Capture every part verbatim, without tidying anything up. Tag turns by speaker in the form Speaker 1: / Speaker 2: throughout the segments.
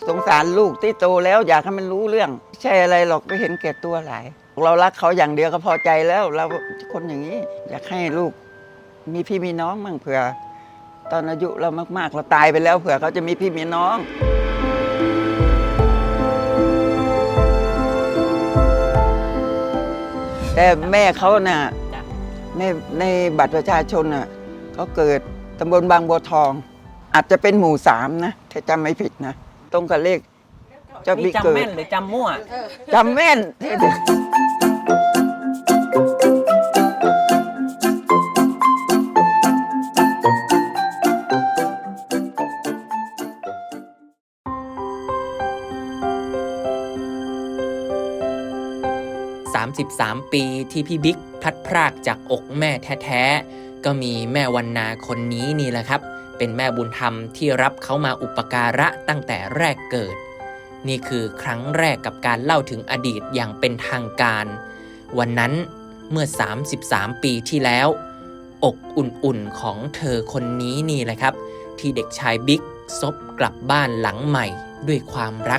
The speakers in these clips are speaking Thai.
Speaker 1: สงสารลูกที่โตแล้วอยากให้มันรู้เรื่องใช่อะไรหรอกไม่เห็นแก่ตัวหลายเรารักเขาอย่างเดียวก็พอใจแล้วเราคนอย่างนี้อยากให้ลูกมีพี่มีน้องมั่งเผื่อตอนอายุเรามากๆเราตายไปแล้วเผื่อเขาจะมีพี่มีน้องแต่แม่เขาน่ะในในบัตรประชาชนน่ะเขาเกิดตำบลบางบัวทองอาจจะเป็นหมู่สามนะถ้าจำไม่ผิดนะตรงกับเลขเจ้าบิ๊กเกิด
Speaker 2: จำแม่นหรือจำมั่ว
Speaker 1: จำแม่น
Speaker 3: สามสิบสามปีที่พี่บิ๊กพลัดพรากจากอกแม่แท้ๆก็มีแม่วรรณาคนนี้นี่แหละครับเป็นแม่บุญธรรมที่รับเขามาอุปการะตั้งแต่แรกเกิดนี่คือครั้งแรกกับการเล่าถึงอดีตอย่างเป็นทางการวันนั้นเมื่อสามสิบสามปีที่แล้วอกอุ่นๆของเธอคนนี้นี่แหละครับที่เด็กชายบิ๊กซบกลับบ้านหลังใหม่ด้วยความรัก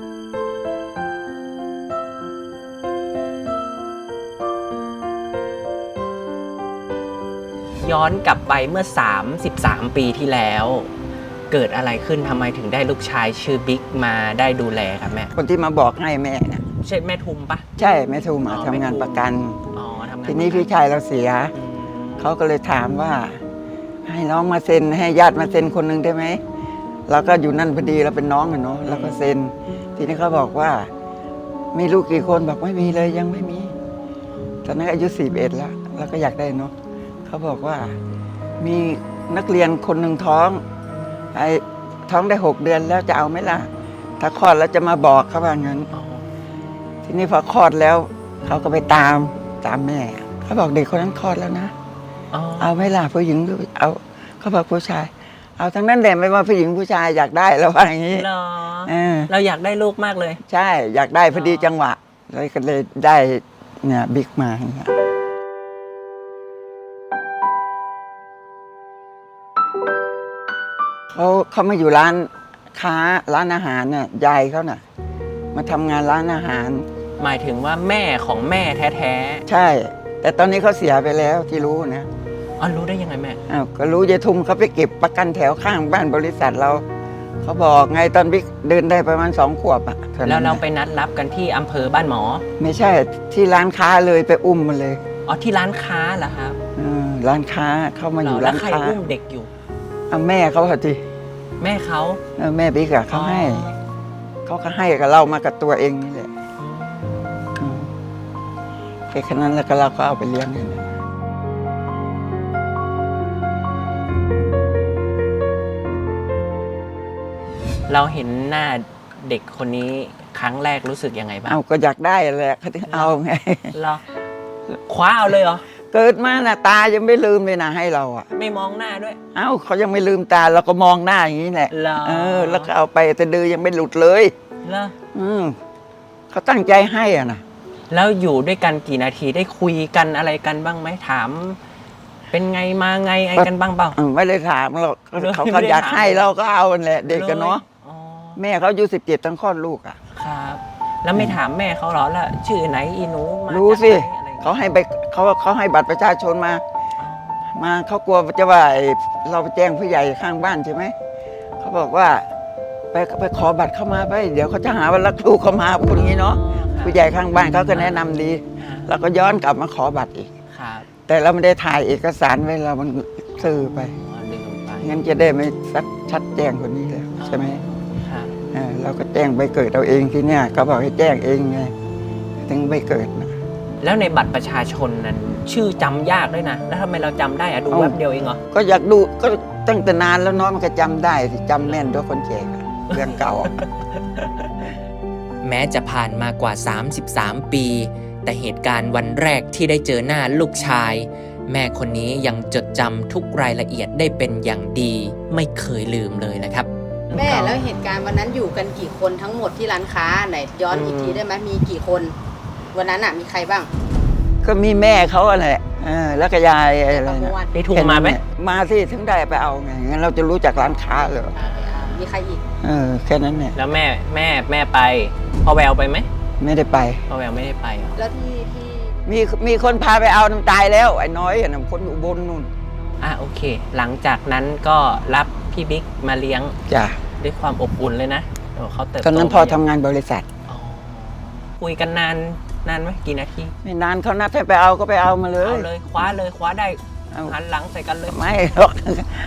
Speaker 2: ย้อนกลับไปเมื่อสามสิบสามปีที่แล้วเกิดอะไรขึ้นทำไมถึงได้ลูกชายชื่อบิ๊กมาได้ดูแลครับแม่
Speaker 1: คนที่มาบอกให้แม่นะ
Speaker 2: ใช่แม่ทุมปะ
Speaker 1: ใช่แม่ทุมทำงานประกันทีนี้พี่ชายเราเสียเขาก็เลยถามว่าให้น้องมาเซ็นให้ญาติมาเซ็นคนหนึ่งได้ไหมเราก็อยู่นั่นพอดีเราเป็นน้องอะเนาะเราก็เซ็นทีนี้เขาบอกว่ามีลูกกี่คนบอกไม่มีเลยยังไม่มีตอนนั้นอายุสี่สิบเอ็ดแล้วเราก็อยากได้เนาะเขาบอกว่ามีนักเรียนคนหนึ่งท้องไอ้ท้องได้หกเดือนแล้วจะเอาไหมล่ะถ้าคลอดแล้วจะมาบอกเขาว่างั้นทีนี้พอคลอดแล้วเขาก็ไปตามตามแม่เขาบอกเด็กคนนั้นคลอดแล้วนะเอาไหมล่ะผู้หญิงหรือเอาเขาบอกผู้ชายเอาทั้งนั้นแหละไม่ว่าผู้หญิงผู้ชายอยากได้แล้วว่าอย่างนี้
Speaker 2: เราอยากได้ลูกมากเลย
Speaker 1: ใช่อยากได้พอดีจังหวะเลยก็เลยได้เนี่ยบิ๊กมาเนี่ยเขาเขามาอยู่ร้านค้าร้านอาหารน่ะยายเขาน่ะมาทำงานร้านอาหาร
Speaker 2: หมายถึงว่าแม่ของแม่แท้
Speaker 1: ๆใช่แต่ตอนนี้เขาเสียไปแล้วที่รู้นะ
Speaker 2: อ๋อรู้ได้ยังไงแม่
Speaker 1: อ้าวก็รู้ยายทุมเขาไปเก็บประกันแถวข้างบ้านบริษัทเราเขาบอกไงตอนบิ๊กเดินได้ประมาณสองขวบอ่ะ
Speaker 2: แล้วเราไปนัดรับกันที่อำเภอบ้านหมอ
Speaker 1: ไม่ใช่ที่ร้านค้าเลยไปอุ้มมันเลย
Speaker 2: อ๋อที่ร้านค้าเหรอครับ
Speaker 1: ร้านค้าเข้ามาอยู่ร้านค้า
Speaker 2: แล้วใครอุ้มเด็กอยู่
Speaker 1: แม่เขาค่ะที
Speaker 2: แม่เขา
Speaker 1: แม่บิ๊กอะเขาให้เขาก็ให้กับเรามากับตัวเองนี่แหละแค่แค่นั้นแล้วก็เราก็เอาไปเลี้ยงนี่
Speaker 2: เราเห็นหน้าเด็กคนนี้ครั้งแรกรู้สึกยังไงบ้าง
Speaker 1: เอาก็อยากได้แหละเขาถึงเอาไง
Speaker 2: เราคว้าเอาเลยเหรอ
Speaker 1: เกิดมาน่ะตายังไม่ลืมเลยนะให้เราอ่ะ
Speaker 2: ไม่มองหน้าด้วย
Speaker 1: เอ้าเขายังไม่ลืมตาเราก็มองหน้าอย่างนี้แหละเออแล้วก็เอาไปแต่ดือยังไม่หลุดเลย
Speaker 2: เหรอ
Speaker 1: อืมเขาตั้งใจให้อ่ะนะ
Speaker 2: แล้วอยู่ด้วยกันกี่นาทีได้คุยกันอะไรกันบ้างไหมถามเป็นไงมาไงไอ้กันบ้างเปล่า
Speaker 1: ไม่ได้ถามหรอกเขาก็อยากให้เราก็เอาแหละเด็กกันเนาะแม่เขาอายุสิบเจ็ดตั้งคลอดลูกอ่ะ
Speaker 2: ครับแล้วไม่ถามแม่เขาหรอละชื่อไหนอีหนู
Speaker 1: รู้สิเขาให้ไปเขาเขาให้บัตรประชาชนมามาเขากลัวจะว่าเราไปแจ้งผู้ใหญ่ข้างบ้านใช่ไหมเขาบอกว่าไปไปขอบัตรเข้ามาไปเดี๋ยวเขาจะหาว่ารักลูกเขามาพูดอย่างนี้เนาะผู้ใหญ่ข้างบ้านเขาก็แนะนำดีเราก็ย้อนกลับมาขอบัตรอีกแต่เราไม่ได้ถ่ายเอกสารไว้เรามันซื้อไปงั้นจะได้ไม่ชัดชัดแจ้งคนนี้แล้วใช่ไหมเราก็แจ้งใบเกิดเราเองที่เนี่ยเขาบอกให้แจ้งเองไงถึงใบเกิดนะ
Speaker 2: แล้วในบัตรประชาชนนั้นชื่อจำยากด้วยนะแล้วทำไมเราจำได้อะดูแวบเดียวเองเหรอ
Speaker 1: ก็อยากดูก็ตั้งแต่นานแล้วน้องมันก็จำได้สิจำแม่นด้วยคนแก่เรื่องเก่า
Speaker 3: แม้จะผ่านมากว่าสามสิบสามปีแต่เหตุการณ์วันแรกที่ได้เจอหน้าลูกชายแม่คนนี้ยังจดจำทุกรายละเอียดได้เป็นอย่างดีไม่เคยลืมเลยนะครับ
Speaker 4: แม่แล้วเหตุการณ์วันนั้นอยู่กันกี่คนทั้งหมดที่ร้านค้าไหนย้อนอีกทีได้ไหมมีกี่คนวันนั้นอ่ะมีใครบ้าง
Speaker 1: ก็มีแม่เขาอะไรแล้วก็ยายอะไรนะ
Speaker 2: ได้ถูกมาไหม
Speaker 1: มาที่ถึงได้ไปเอาไงงั้นเราจะรู้จักร้านค้าเลย
Speaker 4: มีมีใครอีก
Speaker 1: เออแค่นั้นเนี่ย
Speaker 2: แล้วแม่แม่แม่ไปพ่อแววไปไหม
Speaker 1: ไม่ได้ไป
Speaker 2: พ่อแววไม่ได้ไปเหรอ
Speaker 4: แล้วที่ที่
Speaker 1: มีมีคนพาไปเอาน้ำตายแล้วไอ้น้อยอ่ะนะคนอุบลนู่น
Speaker 2: อ่ะโอเค หลังจากนั้นก็รับพี่บิ๊กมาเลี้ยง
Speaker 1: จ้ะ
Speaker 2: ด้วยความอบอุ่นเลยนะโอ้เขาเติบโต
Speaker 1: ตอนนั้นพ่อ
Speaker 2: มา
Speaker 1: ทำงานบริษัท
Speaker 2: อ๋อคุยกันนานนานไหมกี่นาที
Speaker 1: ไม่นานเขานัดให้ไปเอาก็ไปเอามาเลย
Speaker 2: เอาเลยคว้าเลยคว้าได้
Speaker 1: เอา
Speaker 2: หันหลังใส่กันเลย
Speaker 1: ไม่หรอก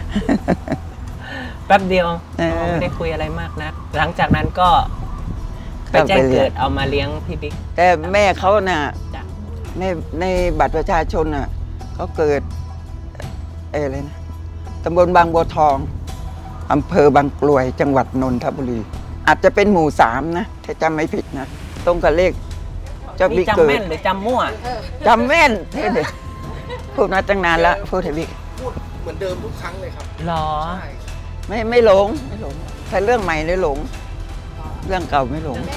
Speaker 2: แป๊บเดียว
Speaker 1: เออ
Speaker 2: ไม่ได้คุยอะไรมากนะหลังจากนั้นก็ไป
Speaker 1: ก็
Speaker 2: แจ้
Speaker 1: ไป
Speaker 2: ง
Speaker 1: เรียน
Speaker 2: เกิดเอามาเลี้ยงพี่บิ๊ก
Speaker 1: แต่แม่เขาน่ะ
Speaker 2: จ้ะ
Speaker 1: ในในบัตรประชาชนน่ะเขาเกิดเอออะไรนะตำบลบางบัวทองอำเภอบางกลวยจังหวัดนนทบุรี อาจจะเป็นหมู่สามนะถ้าจำไม่ผิดนะตรงกับเลขเจ้า
Speaker 2: นี่
Speaker 1: บิ๊ก
Speaker 2: จำ
Speaker 1: เกิด
Speaker 2: แม่นหรือจำมั่ว
Speaker 1: จำแม่นเท่เด็พูดมาตั้งนานแล้วพูดให้บิ๊ก
Speaker 5: พูดเหมือนเดิมทุกครั้งเลยครับ
Speaker 2: หรอ
Speaker 5: ใช่
Speaker 1: ไม่ไม่หลงไม่หลงแต่เรื่องใหม่เลยหลง เรื่องเก่าไม่หลง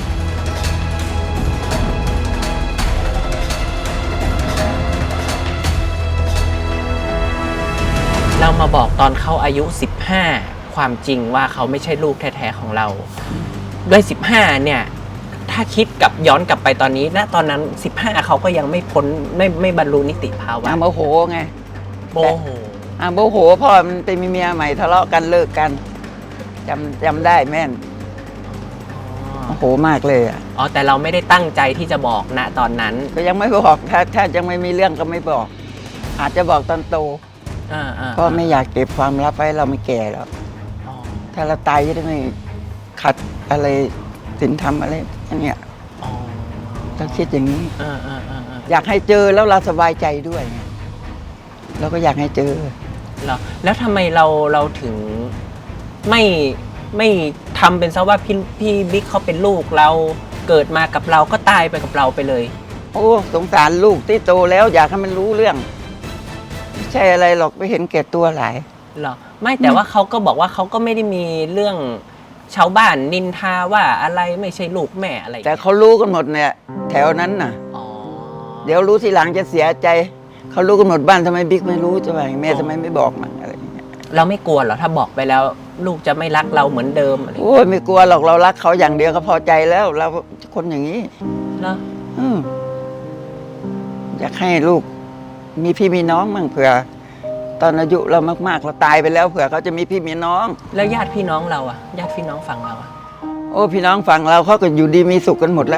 Speaker 2: เรามาบอกตอนเขาอายุสิบห้าความจริงว่าเขาไม่ใช่ลูกแท้ๆของเรา ด้วยสิบห้าเนี่ย ถ้าคิดกับย้อนกลับไปตอนนี้ณตอนนั้นสิบห้าเขาก็ยังไม่พ้นไม่ไม่บรรลุนิติภาวะ
Speaker 1: อาโมโหไง
Speaker 2: โมโห
Speaker 1: อาโมโหพ่อมันไปมีเมียใหม่ทะเลาะกันเลิกกันจำจำได้แม่นโมโหมากเลยอ่ะ
Speaker 2: อ๋อแต่เราไม่ได้ตั้งใจที่จะบอกณตอนนั้น
Speaker 1: ก็ยังไม่บอกถ้าถ้ายังไม่มีเรื่องก็ไม่บอก อาจจะบอกตอนโต
Speaker 2: อ่าอ่า
Speaker 1: เพราะไม่อยากเก็บความลับไว้เราไม่แก่แล้ว
Speaker 2: อ๋อ
Speaker 1: ถ้าเราตายจะได้ไม่ขัดอะไรศีลธรรมอะไรอันเนี้ย
Speaker 2: อ๋อ
Speaker 1: เราคิดอย่างนี้
Speaker 2: อ่าอ่าอ่าอ่า
Speaker 1: อยากให้เจอแล้วเราสบายใจด้วยไงเราก็อยากให้เจอ
Speaker 2: เหรอแล้วทำไมเราเราถึงไม่ไม่ทำเป็นซะว่าพี่พี่บิ๊กเขาเป็นลูกเราเกิดมากับเราก็ตายไปกับเราไปเลย
Speaker 1: โอ้สงสารลูกที่โตแล้วอยากให้มันรู้เรื่องไม่ใช่อะไรหรอกไปเห็นแก่ตัวหลาย
Speaker 2: เหรอไม่แต่ว่าเขาก็บอกว่าเขาก็ไม่ได้มีเรื่องชาวบ้านนินทาว่าอะไรไม่ใช่ลูกแม่อะไร
Speaker 1: แต่เขารู้กันหมดเนี่ย แถวนั้นน่ะ
Speaker 2: อ๋อ
Speaker 1: เดี๋ยวรู้ทีหลังจะเสียใจ เขารู้กันหมดบ้านทำไมบิ๊กไม่รู้จะว่าแม่ทำไมไม่บอกมันอะไรอย่างเงี้ย
Speaker 2: เราไม่กลัวเหรอถ้าบอกไปแล้ว ลูกจะไม่รักเราเหมือนเดิมอะไรอย่างเงี้ย
Speaker 1: โอ้ยไม่กลัวหรอกเรารักเขาอย่างเดียวก็พอใจแล้ว เราคนอย่างนี้
Speaker 2: เหรอ
Speaker 1: อืมอยากให้ลูก มีพี่มีน้องมั่งเผื่อ ตอนอายุเรามากๆเราตายไปแล้วเผื่อเขาจะมีพี่มีน้อง
Speaker 2: แล้วญาติพี่น้องเราอะญาติพี่น้องฝั่งเราอะ
Speaker 1: โอ้พี่น้องฝั่งเราเขาก็อยู่ดีมีสุขกันหมดแล้ว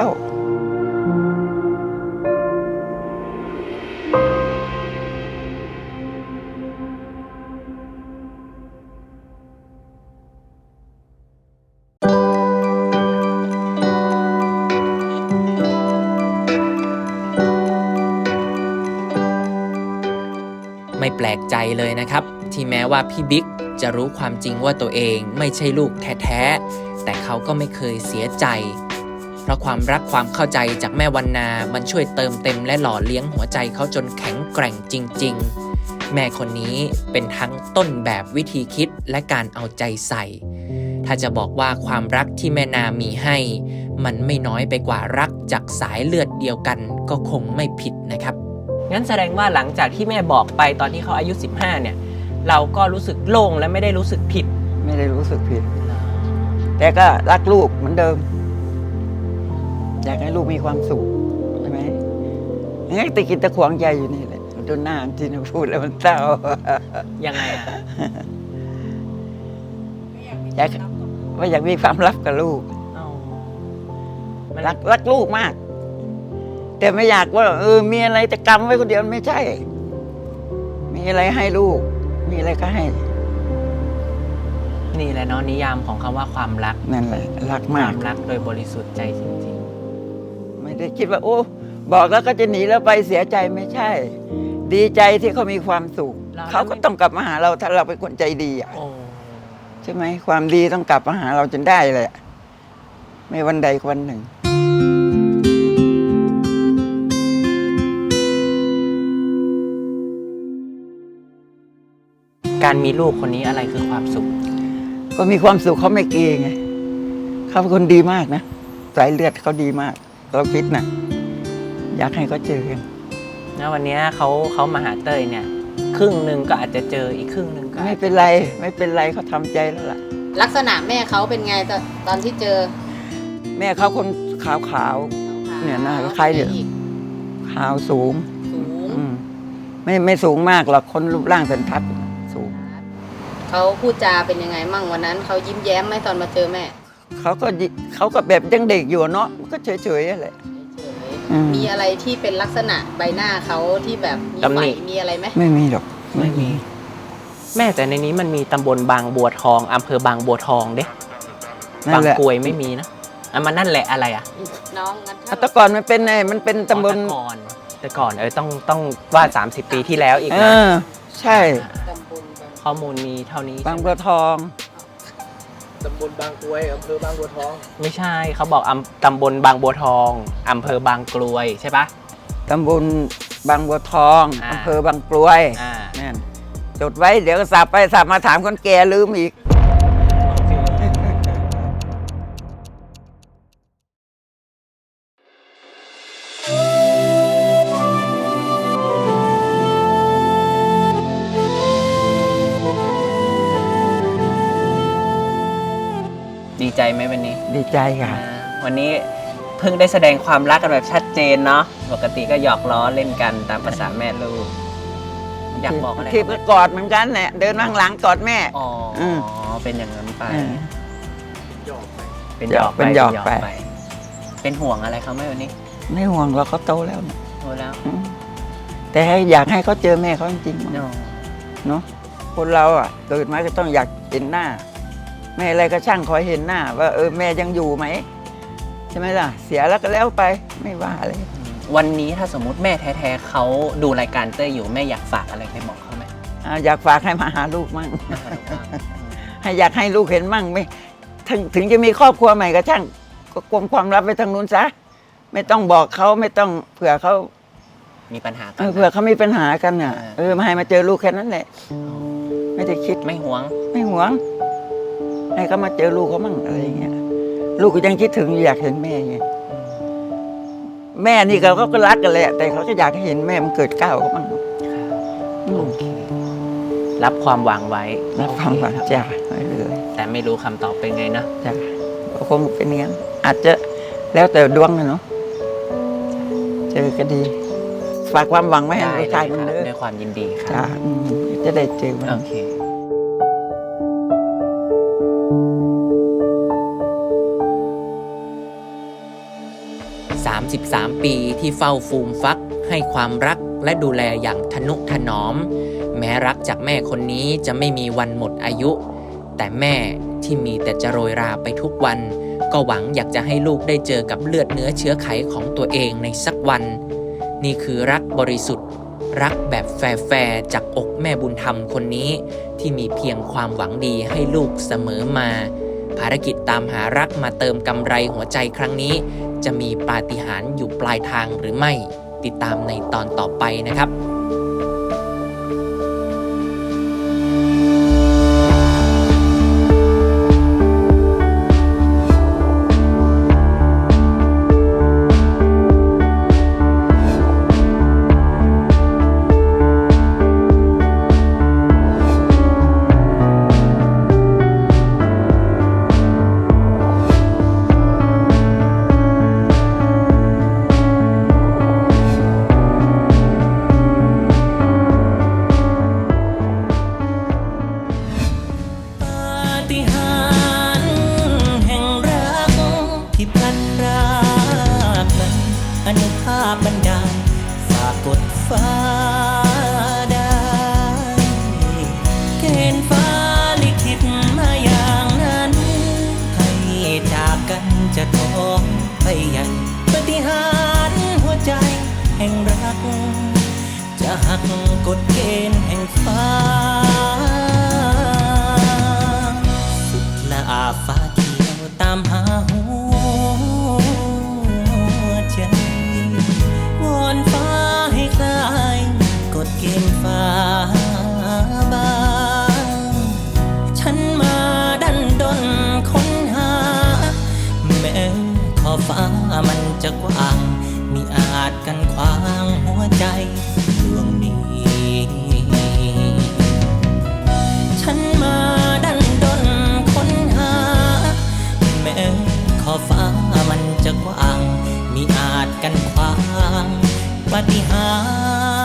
Speaker 3: ไม่แปลกใจเลยนะครับ ที่แม้ว่าพี่บิ๊กจะรู้ความจริงว่าตัวเองไม่ใช่ลูกแท้ๆแต่เขาก็ไม่เคยเสียใจ เพราะความรักความเข้าใจจากแม่วรรณา มันช่วยเติมเต็มและหล่อเลี้ยงหัวใจเขาจนแข็งแกร่งจริงๆ แม่คนนี้เป็นทั้งต้นแบบวิธีคิดและการเอาใจใส่ ถ้าจะบอกว่าความรักที่แม่นามีให้ มันไม่น้อยไปกว่ารักจากสายเลือดเดียวกันก็คงไม่ผิดนะครับ
Speaker 2: งั้นแสดงว่าหลังจากที่แม่บอกไปตอนที่เขาอายุสิบห้าเนี่ย เราก็รู้สึกโล่งและไม่ได้รู้สึกผิด
Speaker 1: ไม่ได้รู้สึกผิด แต่ก็รักลูกเหมือนเดิม อยากให้ลูกมีความสุขใช่ไหมงั้นตะกินตะขวงใจอยู่นี่แหละจนหน้าจริงๆพูดแล้วมันเศร้า
Speaker 2: ยังไงอะ
Speaker 1: อยากว่าอยากมีความลับกับลูก
Speaker 2: อ๋อมัน
Speaker 1: รักรักลูกมาก แต่ไม่อยากว่าเออมีอะไรจะกำไว้คนเดียวไม่ใช่ มีอะไรให้ลูก มีอะไรก็ให้
Speaker 2: นี่แหละเนาะนิยามของคำว่าความรัก
Speaker 1: นั่นแหละรัก
Speaker 2: ค
Speaker 1: มาว
Speaker 2: าก มรักโดยบริสุทธิ์ใจจริง
Speaker 1: ไม่ได้คิดว่า โอ้บอกแล้วก็จะหนีแล้วไปเสียใจไม่ใช่ ดีใจที่เขามีความสุข
Speaker 2: เรา
Speaker 1: เขาก็ต้องกลับมาหาเราถ้าเราเป็นคนใจดีอ่ะ
Speaker 2: ๆ โอ้
Speaker 1: ใช่ไหมความดีต้องกลับมาหาเราจนได้เลยอะไม่วันใดก็วันหนึ่ง
Speaker 2: การมีลูกคนนี้อะไรคือความสุข
Speaker 1: ก็มีความสุขเขาไม่เกรงไงเขาเป็นคนดีมากนะสายเลือดเขาดีมาก เราคิดนะอยากให้เขาเจอกัน
Speaker 2: นะวันนี้เขาเขามาหาเต้ยเนี่ย ครึ่งหนึ่งก็อาจจะเจออีกครึ่งหนึ่งก็อาจ
Speaker 1: ไม่เป็นไร ไม่เป็นไรเขาทำใจแล้วล่ะ
Speaker 4: ลักษณะแม่เขาเป็นไงตอนตอนที่เจอ
Speaker 1: แม่เขาคนขาวขาวๆเนี่ยหน้าคล้ายๆเดี๋ยวขาวสูง
Speaker 4: สูง
Speaker 1: อืมไม่ไม่สูงมากหรอกคนรูปร่างสันทัดสูง
Speaker 4: เขาพูดจาเป็นยังไงมั่งวันนั้นเขายิ้มแย้มไหมตอนมาเจอแม่
Speaker 1: เขาก็ยิเขาก็แบบยังเด็กอยู่เนาะก็เฉยๆอะไร
Speaker 4: เฉย
Speaker 1: อืม
Speaker 4: ๆมีอะไรที่เป็นลักษณะใบหน้าเขาที่แบบมี
Speaker 2: ตำ
Speaker 4: ไฝ
Speaker 2: หนิ
Speaker 4: มีอะไรไหม
Speaker 1: ไม่มีหรอก
Speaker 2: ไม่มี แม่แต่ในนี้มันมีตำบลบางบัวทองอำเภอบางบัวทองเด้
Speaker 1: นั่
Speaker 2: บาน ง
Speaker 1: แหละ
Speaker 2: กรวยไม่มีนะอ่ะมันนั่นแหละอะไรอ่ะ
Speaker 4: น้องงั้น
Speaker 1: อ่ะแต่ก่อนมันเป็นไงมันเป็นตำบล
Speaker 2: อ๋อแต่ก่อนแต่ก่อนเออต้องต้องว่าสามสิบปีที่แล้วอีก
Speaker 1: เอ
Speaker 2: นะ
Speaker 1: อใช่
Speaker 4: ตำบลบาง
Speaker 2: ข้อมูลมีเท่านี้
Speaker 1: บางบัวทอง
Speaker 5: ตำบลบางกรวยอำเภอบางบัวทอง
Speaker 2: ไม่ใช่เขาบอกอำตำบลบางบัวทองอำเภอบางกรวยใช่ปะ
Speaker 1: ตำบลบางบัวทอง
Speaker 2: อ่า
Speaker 1: อำเภอบางกรวย
Speaker 2: อ่า
Speaker 1: นั่นจดไว้เดี๋ยวก็สับไปสับมาถามคนแก่ลืมอีก
Speaker 2: ดีใจไหมวันนี้
Speaker 1: ดีใจค่ะ
Speaker 2: อ่าวันนี้เพิ่งได้แสดงความรักกันแบบชัดเจนเนาะปกติก็หยอกล้อเล่นกันตามภาษาแม่ลูกอยากบอกอะไร
Speaker 1: ทีก็กอดเหมือนกันแหละเดินข้างหลังกอดแม่
Speaker 2: อ๋ออ
Speaker 1: ม
Speaker 2: เป็นอย่างนั้นไป
Speaker 1: เออ
Speaker 5: หยอกไป
Speaker 2: เป็นหยอกไป
Speaker 1: เป็นหยอกไป
Speaker 2: เป็นห่วงอะไรเขาไหมวันนี้
Speaker 1: ไม่ห่วงเราเขาโตแล้วเนี่ย
Speaker 2: โอ้แล้ว
Speaker 1: อืมแต่ให้อยากให้เขาเจอแม่เขาจริงๆ
Speaker 2: เนาะ
Speaker 1: เนาะคนเราอ่ะเกิดมาก็ต้องอยากเห็นหน้า แม่อะไรก็ช่างคอยเห็นหน้า ว่าเออแม่ยังอยู่ไหมใช่ไหมล่ะ เสียแล้วก็แล้วไปไม่ว่าอะไร
Speaker 2: วันนี้ถ้าสมมุติแม่แท้ๆเขาดูรายการเต้ยอยู่แม่อยากฝากอะไรไปบอกเขาไหม
Speaker 1: อ่าอยากฝากให้มาหาลูกมั่ง ให้อยากให้ลูกเห็นมั่งไม่ถึงถึงจะมีครอบครัวใหม่ก็ช่างก็กลมความลับไปทางนู้นซะไม่ต้องบอกเขาไม่ต้องเผื่อเขา
Speaker 2: มีปัญหากั
Speaker 1: เออเผื่อเขามีปัญหากันอ่ะ
Speaker 2: อ่า
Speaker 1: เออมาให้มาเจอลูกแค่นั้นแหละ ไม่ได้คิด
Speaker 2: ไม่หวง
Speaker 1: ไม่หวง ให้เขามาเจอลูกเขามั่งอะไรอย่างเงี้ยลูกก็ยังคิดถึงอยากเห็นแม่ไงแม่นี่เขาก็รักกันแหละแต่เขาก็อยากให้เห็นแม่มันเกิดก้าวเขามั่งอืม
Speaker 2: รับความหวังไว้
Speaker 1: รับความหวังจ้าไม่เลย
Speaker 2: แต่ไม่รู้คำตอบเป็นไงนะ
Speaker 1: จ้าคงเป็นอย่างนั้นอาจจะแล้วแต่ดวงนะเนาะเจอก็ดี ฝากความหวังไว้ให้
Speaker 2: ได้
Speaker 1: ลูก
Speaker 2: เล
Speaker 1: ชาย
Speaker 2: ย
Speaker 1: มัน
Speaker 2: ครับ
Speaker 1: เด้อ
Speaker 2: ด้วยความยินดีค
Speaker 1: จ้า
Speaker 2: รับ
Speaker 1: อืมจะได้เจอมัน
Speaker 2: โอเค
Speaker 3: สามสิบสาม ปีที่เฝ้าฟูมฟักให้ความรักและดูแลอย่างทนุถนอม แม้รักจากแม่คนนี้จะไม่มีวันหมดอายุ แต่แม่ที่มีแต่จะโรยราไปทุกวัน ก็หวังอยากจะให้ลูกได้เจอกับเลือดเนื้อเชื้อไขของตัวเองในสักวัน นี่คือรักบริสุทธิ์ รักแบบแฟร์ๆจากอกแม่บุญธรรมคนนี้ ที่มีเพียงความหวังดีให้ลูกเสมอมา ภารกิจตามหารักมาเติมกำไรหัวใจครั้งนี้ จะมีปาฏิหาริย์อยู่ปลายทางหรือไม่ ติดตามในตอนต่อไปนะครับปาฏิหาริย์แห่งรักที่พลันพรากนั้นอนุภาพบันดาลฝากกดฟ้าได้เกณฑ์ฟ้าลิขิตมาอย่างนั้น ให้จากกันจะท้องไปใหญ่ปาฏิหาริย์หัวใจแห่งรัก จะหักกฎเกณฑ์แห่งฟ้า สุดละอาฟ้าเขียวตามหาหัวใจวอนฟ้าให้คลายกฎเกณฑ์ฟ้าบางฉันมาดันดนค้นหา แม้ขอบฟ้ามันจะกว้างมิอาจกันขวางหัวใจดวงนี้ ฉันมาดันดนค้นหฟ้ามันจะกว้างมิอาจกันขวางปาฏิหา